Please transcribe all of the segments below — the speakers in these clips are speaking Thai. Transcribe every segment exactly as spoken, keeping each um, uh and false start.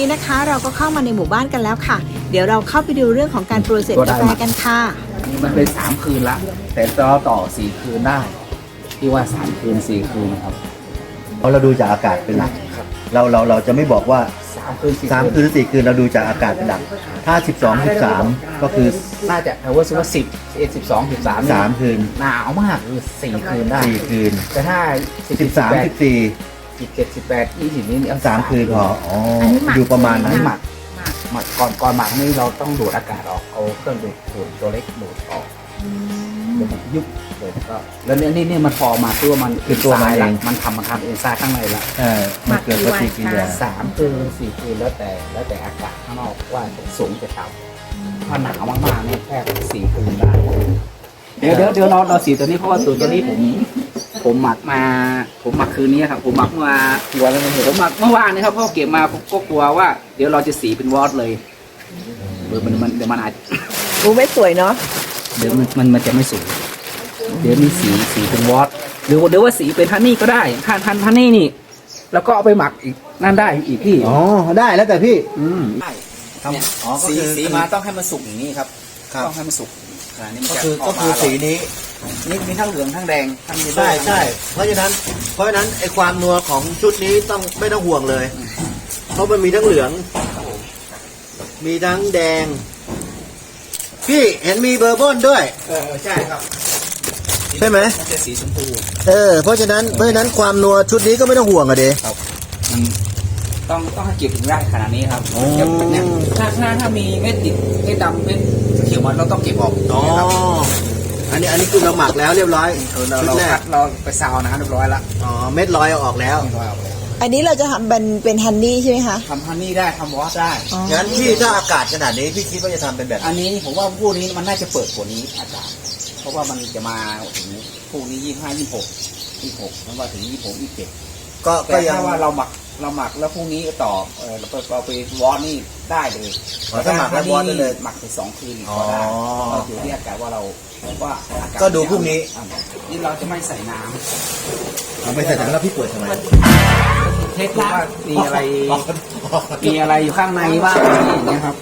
นะคะเราก็เข้ามาในหมู่บ้านกันแล้วค่ะเดี๋ยวเราเข้าไปดูเรื่องของการโปรเซสกาแฟกันค่ะนี่มันเป็นสามคืนละแต่เราต่อสี่คืนได้ที่ว่าสามคืนสี่คืนครับเพราะเราดูจากอากาศเป็นหลักเราเราเราจะไม่บอกว่าสามคืนสามคืนหรือสี่คืนเราดูจากอากาศเป็นหลักถ้าสิบสอง สิบสามก็คือน่าจะเอาว่าว่าสิบเอ็ดสิบสองสิบสามสามคืนหนาวมากคือสี่คืนได้สี่คืนแต่ถ้าสิบสามสิบสี่สิบเจ็ดสิบแปดยี่สิบนี้เอาสามคืนพออ๋ออยู่ประมาณนั้นหมักหมักก่อนก่อนหมักนี่เราต้องดูดอากาศออกเอาเครื่องดูดดูดตัวเล็กดูดออกเดี๋ยวมันยุบเลยก็แล้วเนี่ยนี่นี่มันพอมาคือว่ามันคือตัวมันเองมันทำมันทำเอนไซม์ข้างในละเออมันเกิดปฏิกิริยาสามคืนสี่คืนแล้วแต่แล้วแต่อากาศข้างนอกว่าจะสูงจะต่ำถ้าหนาวมากๆนี่แค่สี่คืนได้เดี๋ยวเดี๋ยวเดี๋ยวเราเราสีตัวนี้เพราะว่าตัวตัวนี้ผมผมหมักมาผมหมักคืนนี้ครับผมหมักมาหัวแล้วมันผมหมักเมื่อวานนี้ครับเพราะเก็บมาก็กลัวว่าเดี๋ยวเราจะสีเป็นวอตเลยเดี๋ยวมันมันเดี๋ยวมันอาจดูไม่สวยเนาะเดี๋ยวมันมันมันจะไม่สวยเดี๋ยวมีสีสีเป็นวอตหรือเดี๋ยวว่าสีเป็นฮันนี่ก็ได้ฮันฮันฮันนี่นี่แล้วก็เอาไปหมักอีกนั่นได้อีกพี่อ๋อได้แล้วแต่พี่อืมได้สีสีมาต้องให้มันสุกอย่างนี้ครับต้องให้มันสุกขนาดนี้มันก็คือก็คือสีนี้นี่มีทั้งเหลืองทั้งแดงทั้งใช่ใช่เพราะฉะนั้นเพราะฉะนั้นไอความนัวของชุดนี้ต้องไม่ต้องห่วงเลยเพราะมันมีทั้งเหลืองมีทั้งแดงพี่เห็นมีเบอร์บอนด้วยเออใช่ครับใช่ไหมมันจะสีชมพูเออเพราะฉะนั้นเพราะฉะนั้นความนัวชุดนี้ก็ไม่ต้องห่วงอะเด้ครับมันต้องต้องให้เก็บถึงได้ขนาดนี้ครับเนี่ยถ้าถ้าถ้ามีเม็ดติดเม็ดดำเม็ดเขียวมันเราต้องเก็บออกอ๋ออันนี้อันนี้คือเราหมักแล้วเรียบร้อยเราเราคัดเราไปซาวนะเรียบร้อยละอ๋อเม็ดลอยเอาออกแล้วอันนี้เราจะทำเป็นเป็นฮันนี่ใช่ไหมคะทำฮันนี่ได้ทำวอสได้งั้นพี่ถ้าอากาศขนาดนี้พี่คิดว่าจะทำเป็นแบบอันนี้ผมว่าพวกนี้มันน่าจะเปิดกว่านี้อากาศเพราะว่ามันจะมาถึงพวกนี้ยี่ห้ายี่หกยี่หกแล้วมาถึงยี่หกยี่เจ็ดก็ก็ยังว่าเราหมักเราหมักแล้วพรุ่งนี้ต่อเออเราไปเราไปวอสนี่ได้เลยถ้าหมักแล้ววอสได้เลยหมักไปสองคืนก็ได้เราอยู่ที่อากาศว่าเราว่าก็ดูพรุ่งนี้นี่เราจะไม่ใส่น้ำเราไม่ใส่น้ำแล้วพี่เปิดทำไมเทสว่ามีอะไรมีอะไรอยู่ข้างในบ้างอย่างเงี้ยครับ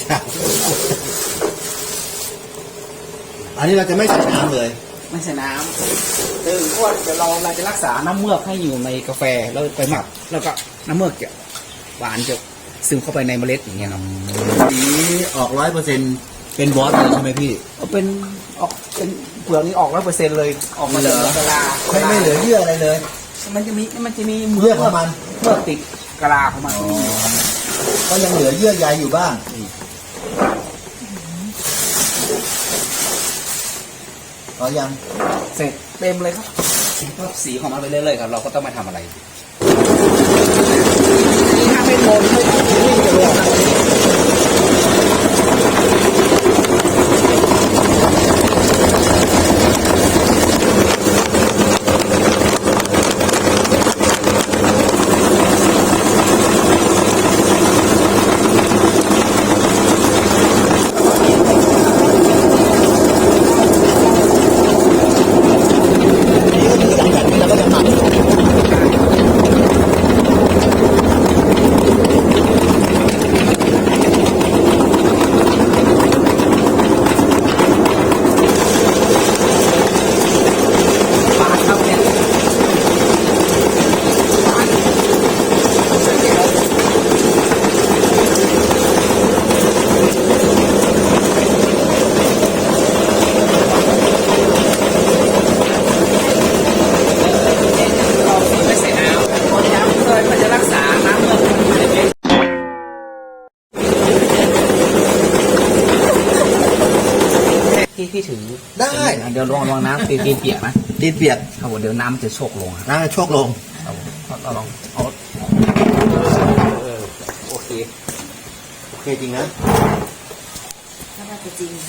อันนี้เราจะไม่ใส่น้ำเลยไม่ใส่น้ำคือเพราะว่าเราเราจะรักษาน้ำเมือกให้อยู่ในกาแฟแล้วไปหมักแล้วก็น้ำเมือกจะหวานจะซึมเข้าไปในเมล็ดอย่างเงี้ยครับสีออกร้อยเปอร์เซ็นต์เป็นวอสเลยใช่ไหมพี่เป็นออกเป็นเปลือกนี้ออกร้อยเปอร์เซ็นต์เลยออกมาเหลือกะลาไม่ไม่เหลือเยื่ออะไรเลยมันจะมีมันจะมีเยื่อของมันเมื่อติดกะลาของมันก็ยังเหลือเยื่อใยอยู่บ้างอ๋อยังเสร็จเต็มเลยครับก็สีของมันไปเรื่อยๆครับเราก็ต้องมาทำอะไรนี่ถ้าไม่โดนไม่ไม่จะรู้ที่ถือได้เดี๋ยวลองลองน้ำตีนเปียกนะตีนเปียกครับผมเดี๋ยวน้ำจะโชกลงน้ำโชกลงเราลองเอาโอเคโอเคจริงนะน่าจะจริง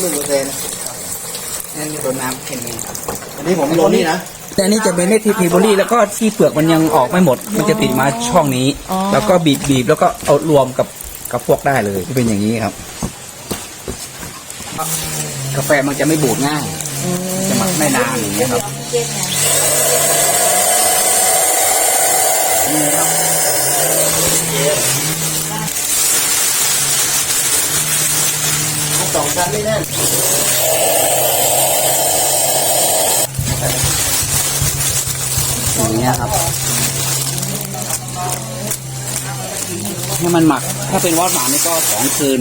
หนึ่งเปอร์เซ็นต์นั่นโดนน้ำเค็มเองครับอันนี้ผมลงนี่นะแต่อันนี้จะเป็นเนทีพีโบลี่แล้วก็ที่เปลือกมันยังออกไม่หมด มันจะติดมาช่องนี้ แล้วก็บีบบีบแล้วก็เอารวมกับกับพวกได้เลยจะเป็นอย่างนี้ครับ กาแฟมันจะไม่บูดง่ายจะหมักไม่นานอย่างเงี้ยครับนี่ครับสองชั้นไม่แน่นอย่างเงี้ยครับให้มันหมักถ้าเป็นวอดหมักนี่ก็สองคืน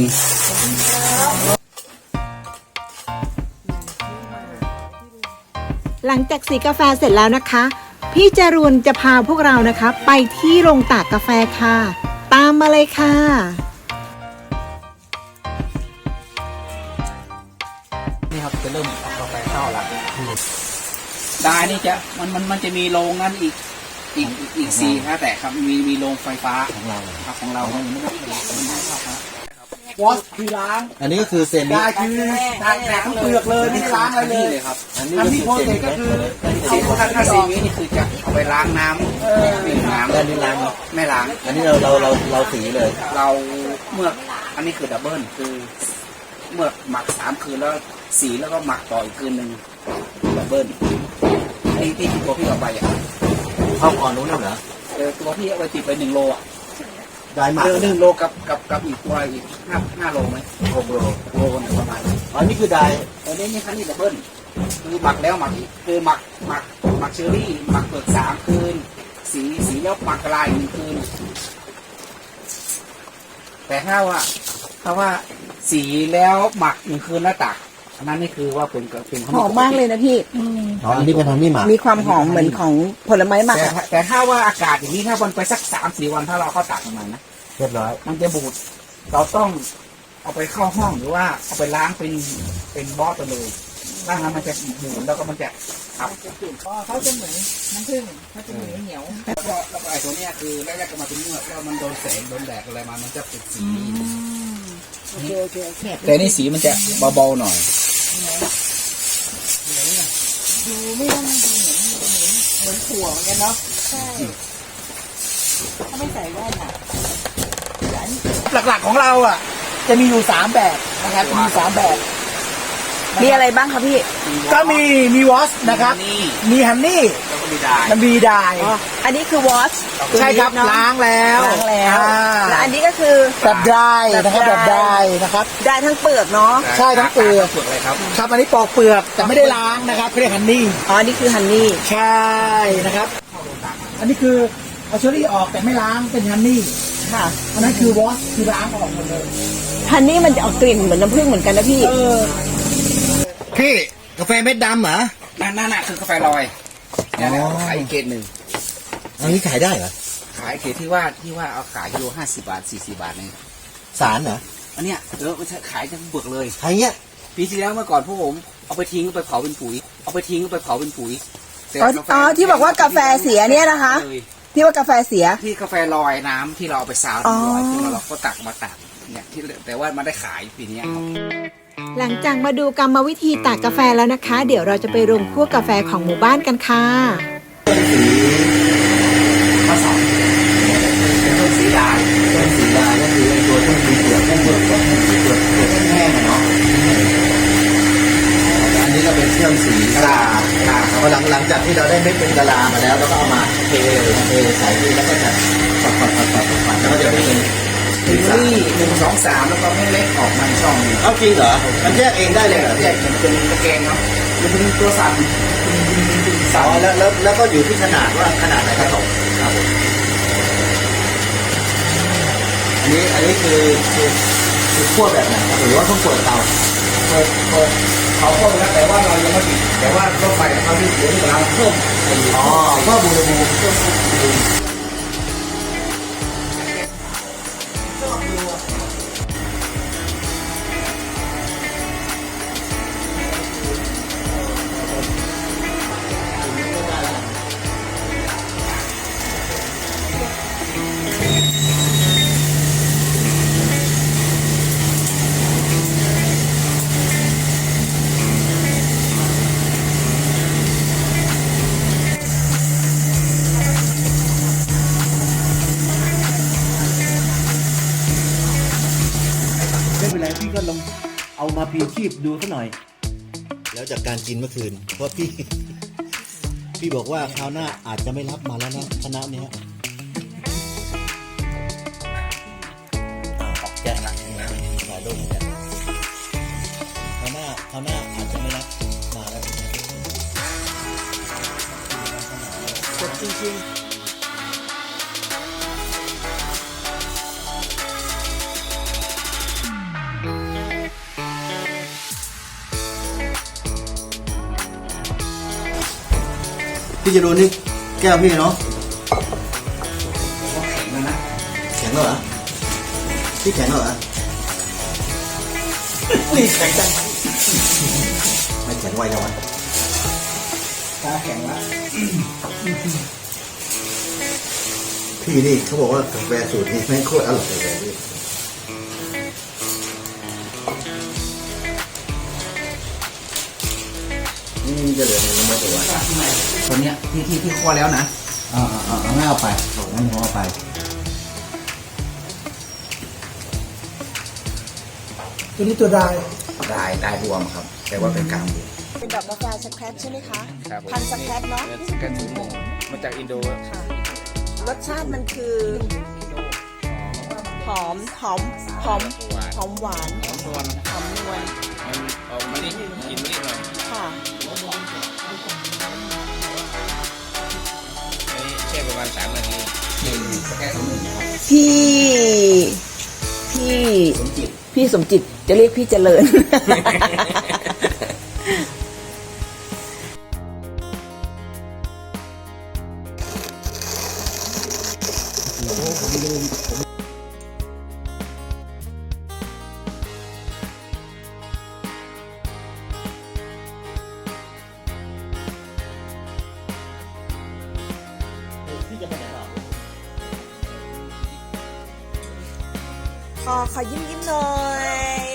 หลังจากสีกาแฟเสร็จแล้วนะคะ พี่จรูนจะพาพวกเรานะคะ ไปที่โรงตากกาแฟค่ะ ตามมาเลยค่ะนี่ครับจะเริ่มเอากาแฟเข้าละได้นี่จะมันมันมันจะมีโรงนั้นอีกอีกอีกอีกสี่ฮะแต่ครับมีมีโรงไฟฟ้าของเราครับของเราไม่ได้วอชคือล้างอันนี้ก็คือเซนได้คือทางแต่ทั้งเปลือกเลยไม่ล้างอะไรเลยครับอันนี้ทำก็ที่คือโพสเซนเสร็จก็คือสีถ้าถ้าสีนี้นี่คือจะเอาไปล้างน้ำดื่มน้ำด้านนี้ล้างเนาะไม่ล้างอันนี้เราเราเราเราสีเลยเราเมื่ออันนี้คือดับเบิลคือเมื่อหมักสามคืนแล้วสีแล้วก็หมักต่ออีกคืนหนึ่งดับเบิลที่ที่ตัวพี่เอาไปอ่ะเข้าก่อนนู้นแล้วเหรอเออตัวพี่เอาไปติดไปหนึ่งโลอ่ะได้หมักเออหนึ่งโลกับกับกับอีกตัวอีกห้าห้าโลไหมหกโลโลนึงประมาณนี้อันนี้คือได้ตอนนี้นี่คันนี้ดับเบิลคือหมักแล้วหมักอีกคือหมักหมักหมักเชอรี่หมักเปลือกสามคืน สีสีแล้วหมักกระลายหนึ่งคืน แต่ถ้าว่าถ้าว่าสีแล้วหมักหนึ่งคืนแล้วตักอันนั้นนี่คือว่าเป็นเป็นหอมมากเลยนะพี่อ๋ออันนี้เป็นทางนี่หมักมีความหอมเหมือนของผลไม้หมักแต่อะแต่ถ้าว่าอากาศอย่างนี้ถ้าวันไปสักสามสี่วันถ้าเราเข้าตักมันนะเรียบร้อยมันจะบูดเราต้องเอาไปเข้าห้องหรือว่าเอาไปล้างเป็นเป็นบอสไปเลยล้างแล้วมันจะบูดแล้วก็มันจะขับเขาจะเหมือนน้ำผึ้งเขาจะเหมือนเหนียวแล้วก็แล้วก็ไอ้ตัวเนี้ยคือแรกๆก็มาเป็นเนื้อแล้วมันโดนแสงโดนแดดอะไรมามันจะเป็นสีโอเคโอเคโอเคแต่นี่สีมันจะเบาๆหน่อยดูไม่ว่ามันดูเหมือนเหมือนเหมือนถั่วเหมือนกันเนาะใช่ถ้าไม่ใส่แว่นอ่ะหลักๆของเราอ่ะ จะมีอยู่สามแบบนะครับมีสามแบบมีอะไรบ้างคะพี่ก็มีมีวอชนะครับนี่มีฮันนี่แล้วก็มีดายมันมีไดายอันนี้คือวอชใช่ครับล้างแล้วล้างแล้วอ่าและอันนี้ก็คือแบบไดายนะครับแบบไดายนะครับได้ทั้งเปลือกเนาะใช่ทั้งเปลือกเปลือกเลยครับครับอันนี้ปอกเปลือกแต่ไม่ได้ล้างนะครับเรียกฮันนี่อ๋ออันนี้คือฮันนี่ใช่นะครับ อันนี้คือเอาเชอรี่ออกแต่ไม่ล้างเป็นฮันนี่ค่ะอันนั้นคือวอชคือล้างออกหมดเลยฮันนี่มันจะออกกลิ่นเหมือนน้ำผึ้งเหมือนกันนะพี่เออพี่กาแฟเม็ดดำเหรอนั่นนั่นน่ะคือกาแฟลอยเนี่ยนะอ๋อขายอีกเกรดหนึ่งอันนี้ขายได้เหรอขายเกรดที่ว่าที่ว่าเอาขายกิโลห้าสิบบาทสี่สิบบาทเนี่ยสารเหรออันเนี้ยเออมันขายทั้งเปลือกเลยขายเงี้ยปีที่แล้วเมื่อก่อนพวกผมเอาไปทิ้งเอาไปเผาเป็นปุ๋ย เอาไปทิ้งเอาไปเผาเป็นปุ๋ยแต่อ๋ออ๋อที่บอกว่ากาแฟเสียเนี่ยนะคะเลยที่ว่ากาแฟเสียที่กาแฟลอยน้ำที่เราเอาไปซาวอ๋อน้ำลอยที่เราก็ตักมาตักเนี่ยที่แต่ว่ามันได้ขายปีนี้ครับหลังจากมาดูกรรมวิธีตากกาแฟแล้วนะคะ เดี๋ยวเราจะไปรวมคั่วกาแฟของหมู่บ้านกันค่ะข้อสองเป็นต้นสีดายเป็นสีดาก็คือไอ้ตัวที่มีเปลือกแค่เปลือกกับเปลือกเปลือกแห้งๆอะเนาะอันนี้ก็เป็นเครื่องสีกะลากะลาพอหลังหลังจากที่เราได้เม็ดเป็นกะลามาแล้วเราก็เอามาเทเทใส่ที่แล้วก็จะปัดปัดปัดปัดปัดแล้วก็จะได้เป็นถึงนี่หนึ่งสองสามแล้วก็ไม่เล็กออกมาช่องหนึงเอาจริงเหรอมันแยกเองได้เลยเหรอแยกเหมือนเป็นตะแกรงเนาะมันเป็นตัวสั่นเสาแล้วแล้วแล้วก็อยู่ที่ขนาดว่าขนาดไหนกระตกครับผมอันนี้อันนี้คือคือคือขั้วแบบไหนครับหรือว่าต้องเปิดเตาเปิดเปิดเขาเพิ่มแล้วแต่ว่าเรายังไม่ปิดแต่ว่ารถไฟเขาที่เดี๋ยวนี้เราเพิ่มอ๋อเพิ่มอุณหภูมิเพิ่มอุณหภูมิมาพลีชีพดูซะหน่อย แล้วจากการกินเมื่อคืน เพราะพี่ พี่บอกว่าคราวหน้าอาจจะไม่รับมาแล้วนะคณะเนี้ยออกแจ้งละถ่ายรูปเนี่ยคราวหน้าคราวหน้าอาจจะไม่รับมาแล้วกดจริงพี่จะดูนี่แก้วพี่เนาะแข็งแล้วนะแข็งแล้วเหรอพี่แข็งแล้วเหรอๆนี่แข็งจังไม่แข็งไวจังวะตาแข็งละพี่นี่เขาบอกว่ากาแฟสูตรนี้แม่งโคตรอร่อยเลยพี่นี่จะเหลือในน้ำมันตัวตัวเนี้ยที่ที่ที่คั่วแล้วนะอ่าอ่าเอางั้นเอาไปเอางั้นผมเอาไปตัวนี้ตัวดายได้ได้รวมครับ แต่ว่าเป็นกลางบวกเป็นดอกกาแฟสแครปใช่ไหมคะครับผมพันธุ์สแครปเนาะสแกนสูงมาจากอินโดค่ะรสชาติมันคือหอมหอมหอมหอมหวานหอมนวลหอมนวลมันออกมานี่กินนิดหน่อยค่ะอันนี้แช่ประมาณสามนาทีหนึ่งสแกนสูงครับพี่พี่พี่สมจิตจะเรียกพี่เจริญ ขอขอยิ้มยิ้มหน่อย